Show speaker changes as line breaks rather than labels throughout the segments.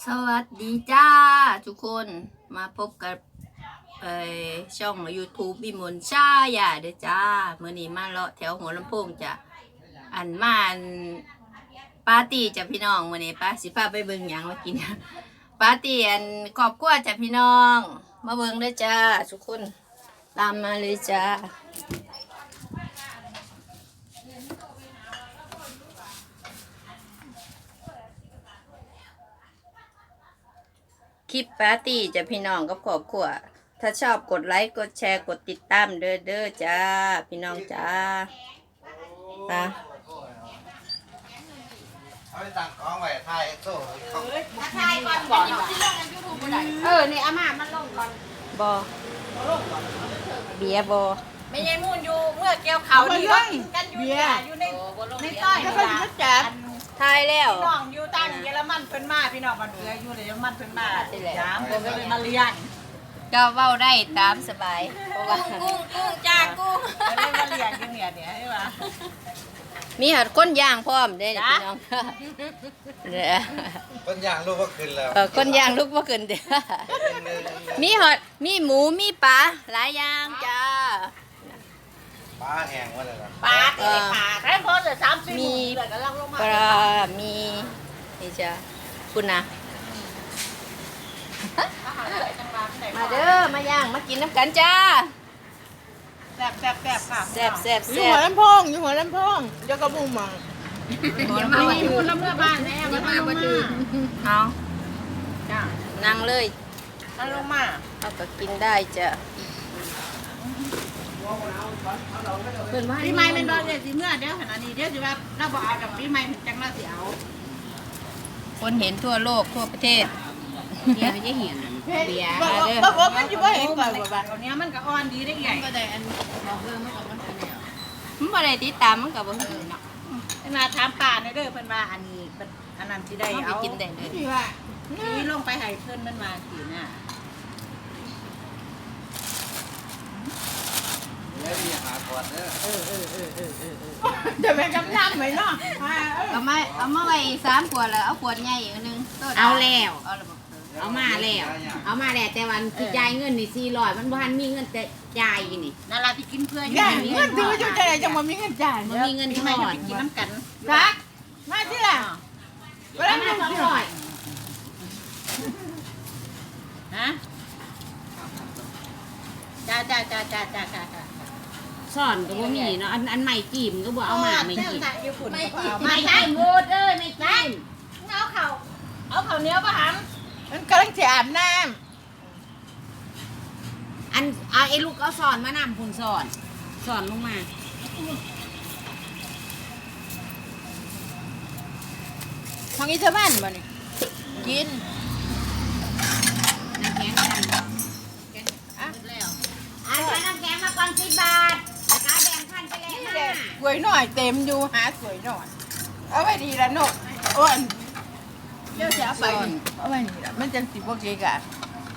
สวัสดีจ้าทุกคนมาพบกับช่อง YouTube วิมลชายาเด้อจ้าเมื่อนี้มาเลาะแถวหัวลำโพงจ้ะปาร์ตี้จ้ะพี่น้องมื่อนี้ป้าสิพาไปเบิ่งหยังมากินปาร์ตี้ครอบครัวจ้ะพี่น้องมาเบิ่งเด้อจ้าทุกคนตามมาเลยจ้าคลิปปาร์ตี้จะพี่น้องกับครอบครัวถ้าชอบกดไลค์กดแชร์กดติดตามเด้อจ้าพี่น้องจ้าตา
เอาไปตั้งกองไว้ถ่ายโซ่เขา
ทายก่อนบ่เนาะนี่อาม่ามันลงก่อน
บอเบียร์บอ
ไม่ใช่มุ่นอยู่เมื่อเกี่ยวเขานี่กันอยู่อยู่ในต้อยนี่ล่ะจัด
ทายแล้ว
พี่น้องอยู่ตั้งเยอรมันเพิ่นมาพี่น้องบ้านเอืออยู่เยอรมันเพิ่นมาถามเพิ่นก็เลยมาเรียน
ก็เว้าได้ตามสบายเพราะว่า
กุ้งจ้ากุ้งก็เลยมาเรียนกันเนี่ยใช่ป่ะ
มีหัดก้นย่างพร้อมเด้อพี่น้องเด้อ
ต้นยางลูกก็ขึ้นแล้ว
ก้นย่างลุกบ่ขึ้นเด้อมีหอดมีหมูมีปลาหลายอย่างจ้า
ปลาแห้งว่าอะไรล่ะ
ปลาเตะปลาแค่พอเหลือ30
มี
เหลือก็ลังลงมา
ปลามีนี่จ้าคุณนะมาเด้อมาย่างมากินน้ำกันจ้า
แซ่บค่ะ
แซ่บแซ่บ
อยู่
แซ่
หัว
บ
ลำโพงอยู่หัวลำโพงเดี๋ยวก็บุ้งมัง
มาอยู่น้ำเพื่อบ้านแม่มาทำมาดื่ม
เอานั่งเลย
มันลงมา
เอาก็กินได้จ้ะ
ปีใหม่เป็นบ่เนี่ยสิเมื่อเดี๋ยวขนาดนี้เดี๋ยวสิว่าเราบ่เอากับปีใหม่จังเราสิเอา
คนเห็นทั่วโลกทั่วประเทศ
เดี๋ยวจะเห็นเบียร์
บอกมันจะไม่เห็นก่อนว่า
ตอนนี้มันก็อ่อนดีได้ใหญ่ก็ได้อันบอกเรื่องมันก็มันอันเดียว
มันบ่ได้ติดตามมันก็บ่เห็นเนาะ
มาถามป่าในเด้อเพิ่นว่าอันนี้อันนั้นสิได้
เอาไป
เอา
กินได้เลย
ที่ว่า
นี่ลงไปให้เพิ่นมันมาสิน่ะ
แล้วมีหาก่อนเด้อ
จะเป็นกำลังไหมเนาะ
เอามาไว้3ขวดแล้วเอาขวดใหญ่อีกอันนึงโต๊ะ
เอาแล้ว
เอาแล้วบ่
เอามาแล้ว เอามาแล้วแต่วันที่จ่ายเงินนี่400มันบ่ทันมีเงินแต่จ่ายอยู่นี่
นั่นล่ะที่กินเพื่อน
ได้เงินถือจะได้จะมามีเงินจ่าย
มันมีเงิน
ปี
ท
ใหม่
อ
จะ
ด
ไปกินน้ำกัน
ซักมาที่ละเวลา
เอา
เงิ
มาน 200
ฮะจ้า
สอนก็บ่มีเนาะอันใหม่จีมก็บ่เอามาไม่จีม
อยู่ฝุ่นก็เอา
ไม่จีมโหดเอ้ยไม่จีม
เอาข้าวเหนียวป่ะหัน
มันกำลังจะอาบน้
อันเอาไอ้ลูกเอาสอนมานำพุ่นสอนลงมา
ำของอีเทอร์บ้านบ่นี่กิน
น้ำแข็งกันแล้วอันน้ำแข็งมาก่อน10 บาทแล้วก็แบ่งพันไปแล้วนะ
สวยหน่อยเต็มอยู่หาสวยหน่อยเอาไว้ดีละโน่อ้วนเดี๋ยวจะเอาไปเอาไว้นี่ละมันจังสิบ่เกะกะ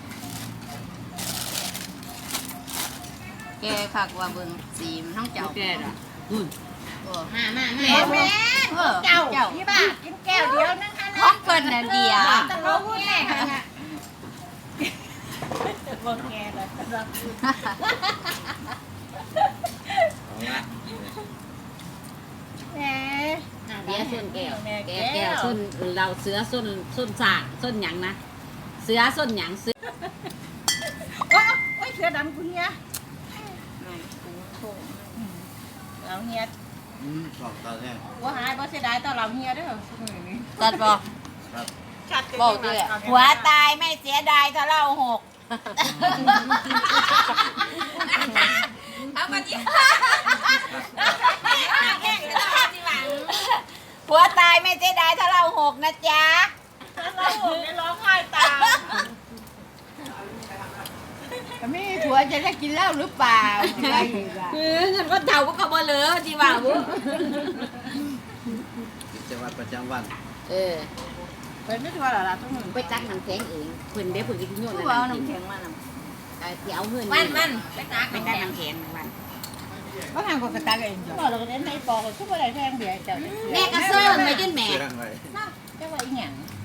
แกคักว่าเบิ่งสีมันทั้งเจ้า
แก่ดอกนู่น
โอ้
มา
แม่เจ้าพี่บ้ากินแก้วเดียวนั่งหัน
ของเพิ่นน่ะเดียว
ตะโลพูดแน่ค่ะบ่แก่เลยตะโลพูด
เอาละ
แหม
เดี๋ยวส้นแก้วแก้วส้นเราเสือส้นสากส้นหยังนะเสือส้นหยังเสือ
โอ้ยเสือดำกูเฮียเราเฮีย
สองตอนแรก
ว่าหายบ่เสียดายต่อเราเฮียเด้อ
ตัดบ่
ครับ
บอกด้วยหัวตายไม่เสียดายถ้าเราหกเอามาดิหัวตายไม่เสียดายถ้าเราหกนะจ๊ะ
เราโหดร้องไห้ตาม
มีผัวจะได้กินเหล้าหรือเปล่าอะไรอีกอะ
เงินก็เท่าก็บ่เหลือที่ว่าบุ
กิจวัตรประจำวัน
เป็นไม่ทัวร์หรอล่ะทุกคน
ไปตักน้ำแข็งเองเพิ่นได้เพิ่นกินโยน
เอาน้ำแข็งมาน้
ที่เอาเงิน
มันไปตัก
ไปตักน้ำแข็งวัน
เขาทำกับกระตักเองจ้ะ
เราก็เล่นในปอกทุกอะไรแพงเบียร์เจ้า
แม่ก็เซิร์นไปจนแม่
เชื่องไว้
เจ้าว่าอีหยัง